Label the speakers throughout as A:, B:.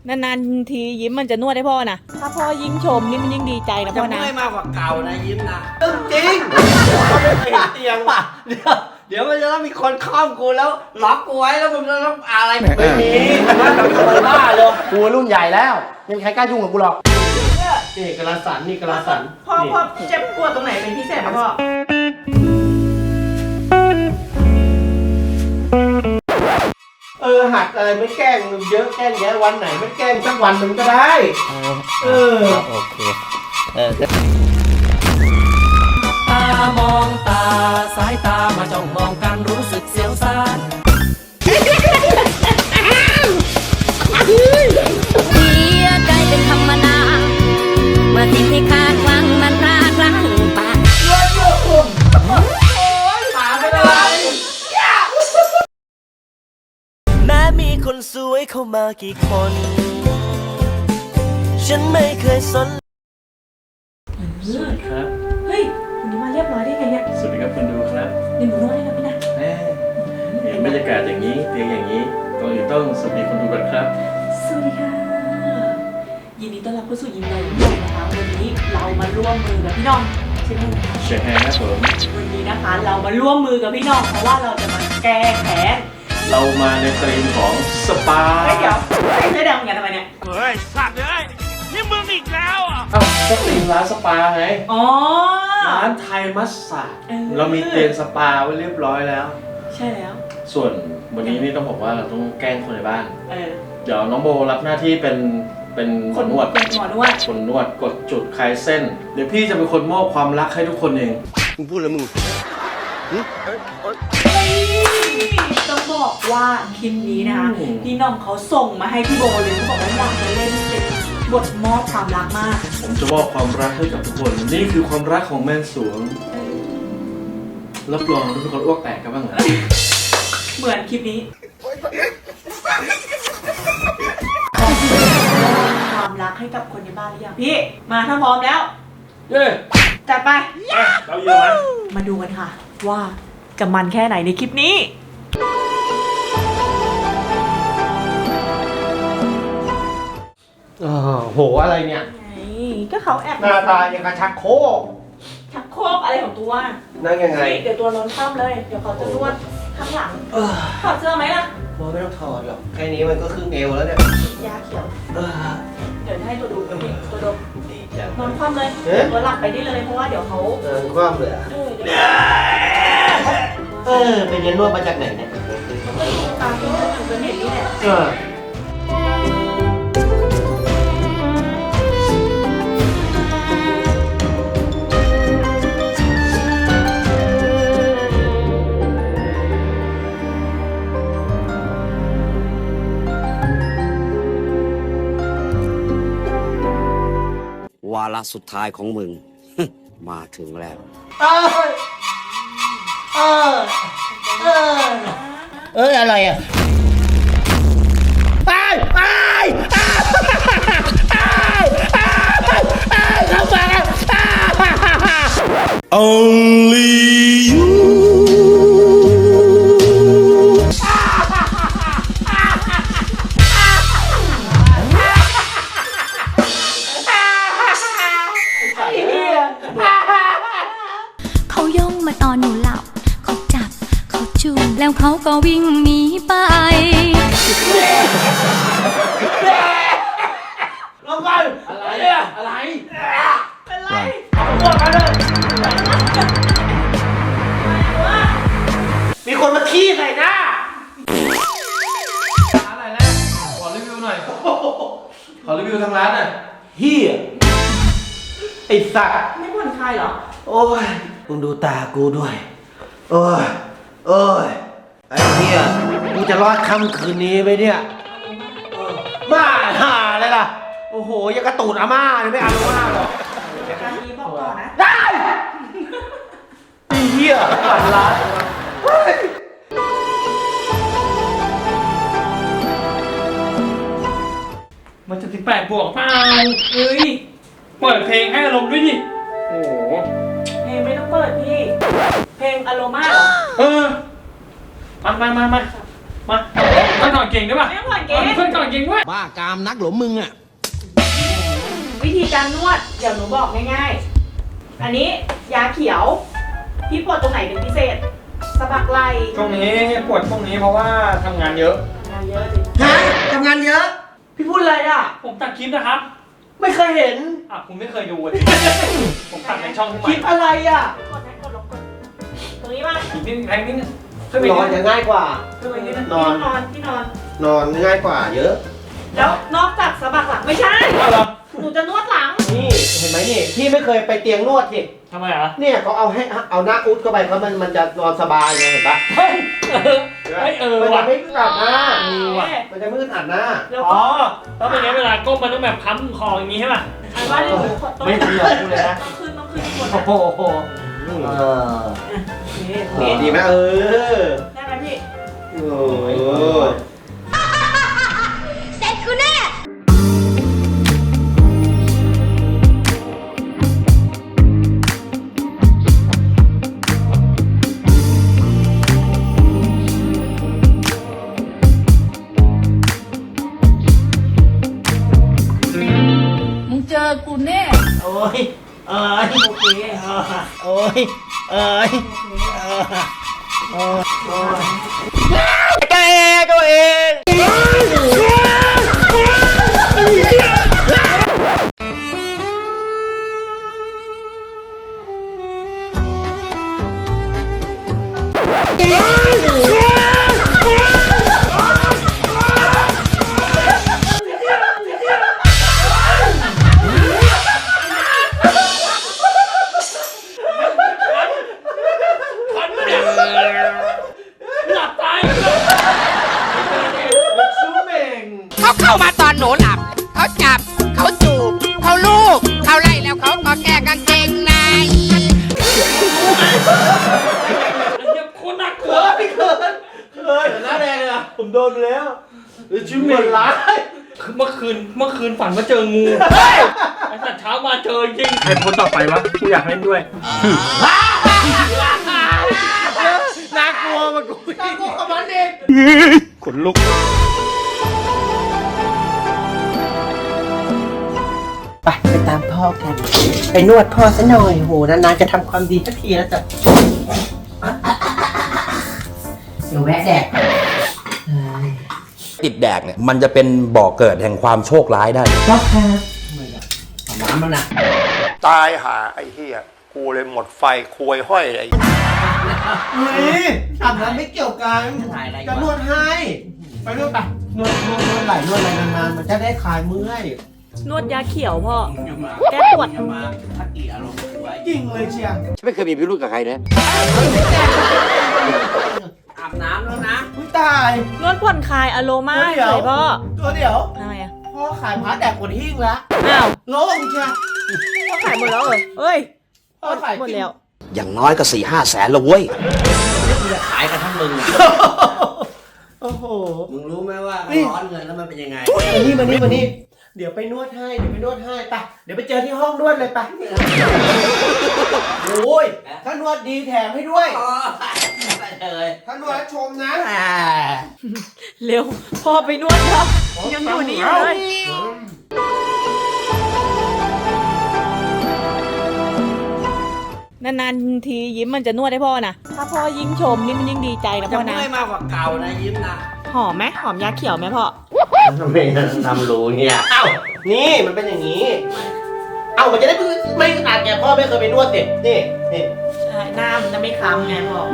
A: นานๆทียิ้มมันจะนวดให้พ่อนะถ้าพ่อยิ่งชมนี่มันยิ่งดีใจนะ
B: จะ
A: พ่อนะ
B: เมื่อยมากกว่าเก่านะยิ้มนะจริงเขาไม่เคยเห็นเตียงว่ะเดี๋ยวมันจะต้องมีคนคล่อมกูแล้วล็อกกูไว้แล้วมึงจะต้องอะไรไม่มีมันบ้าเลยกูรุ่นใหญ่แล้วยังใครกล้ายุ่งกับกูหรอกนี่กระสันนี่กระสัน
A: พ่อเจ็บปวดตรงไหนเป็นพิเศษไหมพ่อ
B: หัดอะไรไม่แกล้งเยอะแกล้งแย่วันไหนไม่แกล้งสักวันหนึ่งก็ได้โอเค
C: ตามองตาสายตามาจ้องมองกันรู้สึกเสียวซ่าน
D: เสียใจเป็นธรรมดาเมื่อสิ่งที่คาดหวังมันพลาดพลั้งไป
C: แม้มีคนสวยเข้ามากี่คน ฉันไม่เคยสน
E: สวัสดีครับ
A: เฮ้ยวันนี้มาเรียบร้อยได้ไงเนี่ย
E: สวัสดีครับคุณดูครับ
A: นี่หนูนวดให้นะพี่นะ
E: เห็นบรรยากาศอย่างนี้เตียงอย่างนี้ก่อนอื่นต้องสวัสดีคนดูก่อนครับ
A: สวัสดีค่ะยินดีต้อนรับเข้าสู่ยิมเราพี่น้องนะคะวันนี้เรามาร่วมมือกับพี่น้องใช่ไหมคะ
E: เชียร์แฮร์ครับผม
A: วันนี้นะคะเรามาร่วมมือกับพี่น้องเพราะว่าเราจะมาแก้แค้น
E: เรามาในธีมของสปา
A: เฮ้ยเดี๋ยวเสื้อแดงมึงอย่าทำไมเนี่ย
E: เอ้าก็ธีมร้านสปาไง
A: อ๋อ
E: ร้านไทยมัสสาดเรามีเตียงสปาไว้เรียบร้อยแล้ว
A: ใช่แล้ว
E: ส่วนวันนี้นี่ต้องบอกว่าเราต้องแกล้งคนในบ้าน
A: เออ
E: เดี๋ยวน้องโบรับหน้าที่เป็นหมอนวด
A: เป็นหมอนวด
E: คนนวดกดจุดคลายเส้น เดี๋ยวพี่จะเป็นคนมอบความรักให้ทุกคนเอง
B: มึงพูดแล้วมึง
A: ต้องบอกว่าคลิปนี้นะคะพี่น้องเขาส่งมาให้พี่โบเลยเขาบอกว่าอยากจะเล่นเป็นบทมอบความรักมาก
E: ผมจะมอบความรักให้กับทุกคน นี่คือความรักของแม่สวงรับรองทุกคนอ้วกแตกกันบ้างเหรอ
A: เหมือนคลิปนี้ความรักให้กับคนในบ้านหรือยังพี่มาถ้าพร้อมแล้ว
E: เย้
A: จัดไป
E: เราเยอะไหม
A: มาดูกันค่ะ ว่าจะมันแค่ไหนในคลิปนี้
B: โหอะไรเนี่ย
A: ก็เขาแอบ
B: หน้าตาอย่างกระชักโคก
A: ชักโครกอะไรของตัว
B: นั่งยังไง
A: เดี๋ยวตัวนอนคว่ำเลย เดี๋ยวเขาจะนวดข้างหลังถอดเสื้อไหมล่ะ
B: โบไม่ต้องถอดหรอกแค่นี้มันก็ครึ่งเอวแล้วเนี่ย
A: ยาเขียว
B: เออ
A: เดี๋ยวให้ตัวดูตัวดม
B: ดีจัง
A: นอนคว่ำเลย
B: เอ๊ะ
A: ตัวหลับไปได้เลยเพราะว่าเดี๋ยวเขา
B: คว่ำเลยอ่ะ
A: เดี๋ยว
B: ไปเรียนนวดมาจากไหนเนี่ย
A: ตามที่เขาอยู่บนเน็ตนี่แหละ
F: วาระสุดท้ายของมึง มาถึงแล้ว
B: อะไรอ่ะ
D: เขาย่องมาตอนหนูหลับ เขาจับ เขาจูบแล้วเขาก็วิ่งหนีไป
B: ลงก่อนอะไรเนี่ยอะไรเป็นไรเอาหมดมาเลยมีคนมาขี้ใส่หน้า
E: ร้านอะไรนะขอรีวิวหน่อย ขอรีวิวทางร้านหน่อย
B: เฮียไอ้สัตว์
A: ไม่ผ่อนคลายเหรอ
B: โอ้ยมึงดูตากูด้วย โอ้ยโอ้ยไอ้เฮียกูจะรอดค่ำคืนนี้ไหมเนี่ยบ้าห่าเลยล่ะ โอ้โหยังกระตูดอาม่าเลยไม่เอาอาม่าหรอก
A: การนี้บอกก่อนนะ
B: ได้ไอ้เฮียฝันร้ายเฮ้ย
E: มันจะ18 บวกเปล่า
A: เฮ้ย
E: เปิดเพลงให้อารมณ์ด้วยดิ โอ้โห
A: เพลงไม่ต้องเปิดพี่ เพลงอโรมาเหรอ
E: เออ มามาเพื่อนถอดเก่งได้ป่ะ
A: ไม่ต้องถอดเก่ง
E: เพื่อนถอดเก่งด้วย
B: บ้ากามนักหรอมึงอ่ะ
A: วิธีการนวดเดี๋ยวหนูบอกง่ายๆ อันนี้ยาเขียว พี่ปวดตรงไหนเป็นพิเศษสะบักไหล่
E: ช่วงนี้ปวดช่วงนี้เพราะว่าทำงานเยอะ
A: งานเยอะจริง
B: ฮะทำงานเยอะ พี่พูดอะไรอ่ะ
E: ผมตัดคลิปนะครับ
B: ไม่เคยเห็น
E: อ่ะคุณไม่เคยดูเลยผมตัดในช่องขึ้น
B: คลิป
E: มา
B: อะไรอ่ะ
A: กดนะกดลงกดตรงนี้มา
E: อีกนิดแพงนิดนึงขึ้นไป
B: น
E: นิ
B: อ
E: ด
B: น
E: นึ
B: จะ
E: ง
B: ง่ายกว่า
E: ขึ้นไปนิดนึง
B: นอน
A: ที่นอน
B: นอนง่ายกว่าเยอะ
A: แล้วนอกจากสะบักหลังไม่ใช่
E: เอาเหรอ
A: หนูจะนวดหลัง
B: นี่เห็นไหมนี่พี่ไม่เคยไปเตียงนวดสิ
E: ทำไมอ่ะ
B: เนี่ยเขาเอาให้เอาหน้าอุดเข้าไปเขามันจะนอนสบายไงเห็นปะ
E: เฮ้ย
B: มัน
E: ว่ะ
B: จะไม่อึดอัดหน้า
A: ว่ะ
B: มันจะไม่อึดอัดหน้า
A: แล้ว
E: อ๋
A: ก็
E: อแล้วเป็นไงเวลาก้มมันต้องแบบพันคออย่างนี้ใช่ป่ะ
A: อันว่าเดี๋ยวหนูต้อง
B: ไม่เกี่ยวกูเลยนะ
A: ต้องขึ้นบน
B: โอ้
A: นะ
B: โหนี่ดีไหม
A: ได้ไหมพี่
B: โอ้ย
D: เสร็จกูแน่ มึงเจอกูแน่
B: โอ้ยโอเคโอ้ยแกตัวเอง
E: พันเนี่ยหลับตายเลย
B: ซูเม่ง
G: เขาเข้ามาตอนหนูหลับ เขาจับ เขาจูบ เขาลูบเขาไล่แล้วเขาก็แก้กางเกงใน
E: ไอ้เหี้ยโคตรน่ากลัว
B: เคยหน้าแดงเลยอ่ะผมโดนไปแล้วซูเม่งร้าย
E: เมื่อคืนฝันว่าเจองูไอ้สัตว์เช้ามาเจอจริงใครคนต่อไปวะกูอยากเล่นด้วย
B: น่ากลัวมากกูน่ากลัวกับมันเอง
E: ขนลุก
B: ไปตามพ่อกัน ไปนวดพ่อซะหน่อยโหนานๆจะทำความดีสักทีแล้วจ้ะเดี๋ยวแวะแดก
H: ติดแดกเนี่ยมันจะเป็นบ่อเกิดแห่งความโชคร้ายได้
B: พ่อครับน้ำแล้วนะ
I: ตายหาไอ้เหี้ยกูเลยหมดไฟควยห้อยไอ้
B: เฮ้ยอาบน้ำไม่เกี่ยวกันจะนวดให้ไปนวดไปนวดไหล่นวดอะไรนานๆมันจะได้คลายเมื่อย
A: นวดยาเขียวพ่อ แก้ปวด
B: จริงเลยเชียร์
F: ฉันไม่เคยมีพิรุธกับใครนะ
B: อาบน้ำแล้วนะอุ้ยตาย
A: นวดผ่อนคลายอโรมา
B: เดี๋ยว
A: เลยพ่อ
B: ตัวเดี๋ยว
A: ทำไมอ่ะ
B: พ่อขายพาแดกหมดหิ้งแล้ว
A: อ้าว
B: โล่งเชียร์
A: พ่อขายหมดแล้วเหรอเอ้ย
B: พ่อขาย
A: หมดแล้ว
F: อย่างน้อยก็4-5 แสนละเว้ย
B: ขายกันทั้งมึงอ่ะโอ้โห
J: มึงรู้ไหมว่ามันร้อนเงินแล้วมันเป็นยังไง
B: มานี่เดี๋ยวไปนวดให้ไปเดี๋ยวไปเจอที่ห้องนวดเลยไปโอ้ยถ้านวดดีแถมให้ด้วย ถ้านวดแล้วชมนะ
A: เร็ว พ่อไปนวดครับยังอยู่นี่อยู่เลย นานๆทียิ้มมันจะนวดให้พ่อนะ ถ้าพ่อยิ่งชมนี่มันยิ่งดีใจนะ
J: จะ
A: พ่อนะ
J: เมื่อยมากกว่าเก่านะยิ้มนะ
A: หอมไหมหอมยาเขียวไหมพ่อ
B: ทำไมทำรู้เนี่ยเอ้านี่มันเป็นอย่างนี้ เอ้ามันจะได้ไม่ขนาดแกพ่อไม่เคยไปนวดเด็กนี่
A: ใช่หน้ามันจะไม่คล้ำไงพ่อ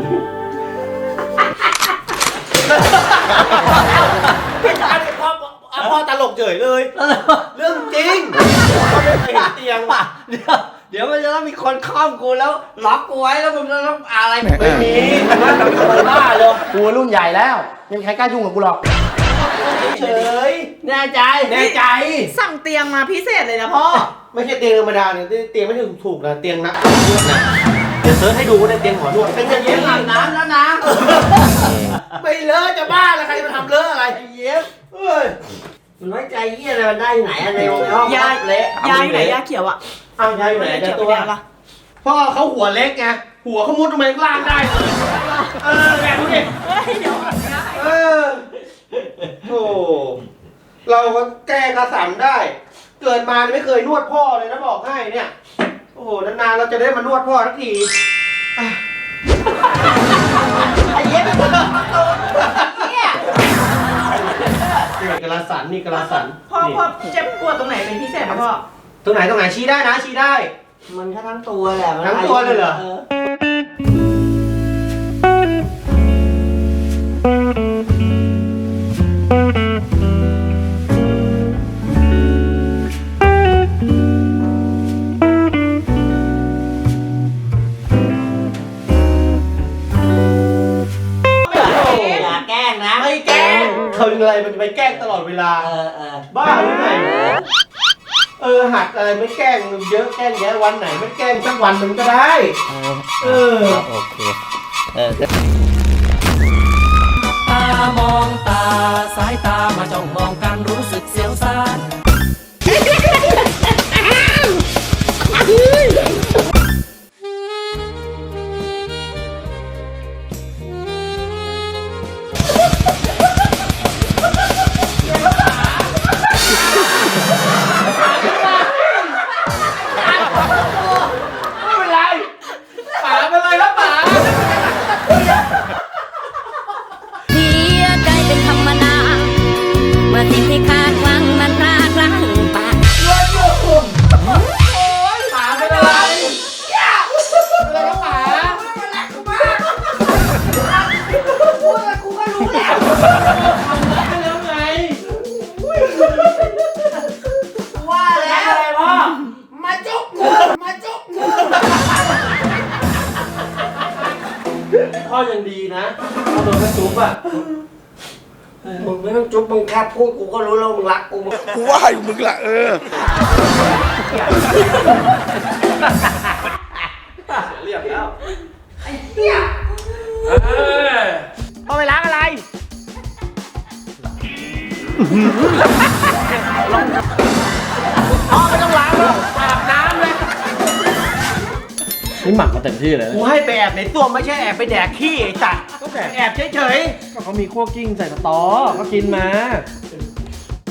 B: พี่ชายพ่อตลกเฉยเลย เรื่องจริงพ่อไม่เคยเห็นเตียง
J: เดี๋ยวมันจะต้องมีคนคล่อมกูแล้วล็อกกูไว้แล้วมึงจะต้องอะไร
B: ไม่มีมันบ้าเลยกูรุ่นใหญ่แล้วไม่มีใครกล้ายุ่งกับกูหรอกเฉย
J: แน่ใจ
B: แน่ใจ
A: สั่งเตียงมาพิเศษเลยนะพ่อ
B: ไม่ใช่เตียงธรรมดาเนี่ยเตียงไม่ถึงถูกนะเตียงนักนวดนะเดี๋ยวเซิร์ชให้ดูว่าในเตียงหมอนวดเป็นอย่าง
J: ยิ้
B: นี้
J: มอาบน้ำแล้วนะ
B: ไม่เลอะจะบ้าแล้วใครจะมาทำเลอะอะไร
J: ไอ้เย็บ
B: เอ้ย
J: มึงไว้ใจเยี่ยอะไรมันได้ที่ไหนอะในห้อง
A: ยา
J: เละ
A: ยาอยู่ไหนยาเขียวอ่ะ
B: อ้าวยายอยู่ไหน
A: ยา
B: เดี๋
A: เขี
B: ย
A: ยว ว
B: ตัว
A: ไปไหนล่ะ
B: พ่อเขาหัวเล็กไงหัวเขามุดลงไปข้างล่างได้เลยแบบดูดิ
A: เฮ้ยเดี๋ยว
B: เออโอ้เราก็แก้กระสันได้ เกิดมาไม่เคยนวดพ่อเลยนะบอกให้เนี่ย โอ้โหนานๆเราจะได้มานวดพ่อสักทีอ่ะไอ้เย็บนี่กระสันนี่กระสัน
A: พ่อเจ็บปวดตรงไหนเป็นพิเศษไหมพ่อ
B: ตรงไหนชี้ได้นะชี้ได้
J: มันแค่ทั้งตัวแหละมัน
B: ทั้งตัวเลยเหรอ
J: อย่าแกล้งนะ
B: ไม่แกล้งเขาเป็นอะไรมันจะไปแกล้งตลอดเวลา บ้าหรือไงหัดอะไรไม่แกล้งเยอะแกล้งแยะวันไหนไม่แกล้งสักวันมันก็ได้
H: โอเค
C: ตามองตาสายตามาจ้องมองกันรู้สึกเสียวซ่าน
B: ไม่เป็นไรป๋าเป็นไรแล้วป๋า
D: เสียใจเป็นธรรมดาเมื่อสิ่งที่คาดหวังมันพลาดพลั้งไป
B: ป๋าเป็นอะไรเป็นอะไรแล้วป๋าพูดแล้วกูก็รู้แล้วแล้วไง
A: ว่าแล้วอะไรพ่อ
B: มาจุกกูพ่อยังดีนะพ่อโดนแม่จุ๊บอ่ะ
J: มึงไม่ต้องจุ๊บมึงแค่พูดกูก็รู้แล้วมึงรักกู
I: กูว่าอยู่มึงละ
E: เรียบแล้ว
J: เอาไปล้างอะไร ไม่ต้องล้างหรอกอาบน้ำเลย
E: นี่หมักมาเต็มที่เลยนะ
B: กูให้ไปแอบในส้วมไม่ใช่แอบไปแดกขี้ไอ้สัตว์ก็แอบเฉย
E: ก็เขามีคั่วกิ้งใส่สตอก็กินมา
B: ๆ